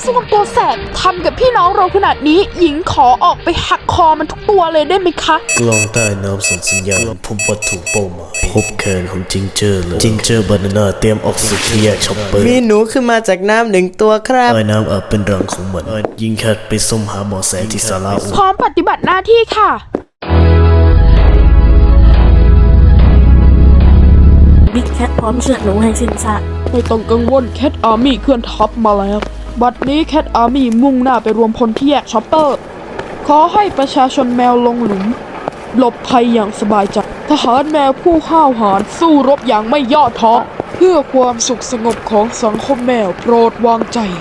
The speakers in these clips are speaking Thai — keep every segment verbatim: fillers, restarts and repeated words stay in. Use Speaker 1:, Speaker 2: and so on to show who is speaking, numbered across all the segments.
Speaker 1: ส้วมตัวแสบทำกับพี่น้องเราขนาดนี้หญิงขอออกไปหักคอมันทุกตัวเลยได้ไหมคะ
Speaker 2: กล้องใต้น้ำส่งสัญญาณพบวัตถุเป้าหมายพบแขนของจิงเจอร์เลยจิงเจอร์บานาน่าเตรียมออกศึกที่แยกช็อปเปอร์
Speaker 3: มีหนูขึ้นมาจากน้ำหนึ่งตัวครับ
Speaker 2: ใต้น้ำอาจเป็นรังของมันยิงแคทไปส้มหาหมอแสที่ศาลาอู
Speaker 1: พร้อมปฏิบัติหน้าที่ค่ะ
Speaker 4: บิ๊กแคทพร้อมเชือดหนูให้สิ้นซาก
Speaker 1: ไม่ต้องกังวลแคทอาร์มี่เคลื่อนทัพมาแล้วบัดนี้แคทอาร์มี่มุ่งหน้าไปรวมพลที่แยกช็อปเปอร์ขอให้ประชาชนแมวลงหลุมหลบภัยอย่างสบายใจทหารแมวผู้ห้าวหาญสู้รบอย่างไม่ย่อท้อเพื่อความสุขสงบของสังคมแมวโปรดวางใจ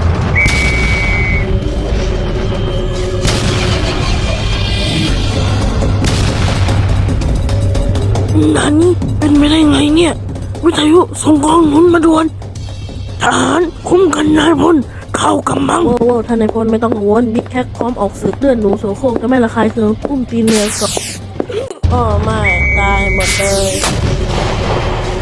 Speaker 4: นั่นเป็นไปได้ไงเนี่ยวิทยุส่งกองหนุนมาด่วนทหารคุ้มกันนายพลเข้ากำบังโอ้โหท่านนายพลไม่ต้องกังวลบิ๊กแคทพร้อมออกศึกเลือดหนูโสโครกจะไม่ระคายเคืองอุ้มตีนเมียก่อนอ๋อไม่ตายหมดเลย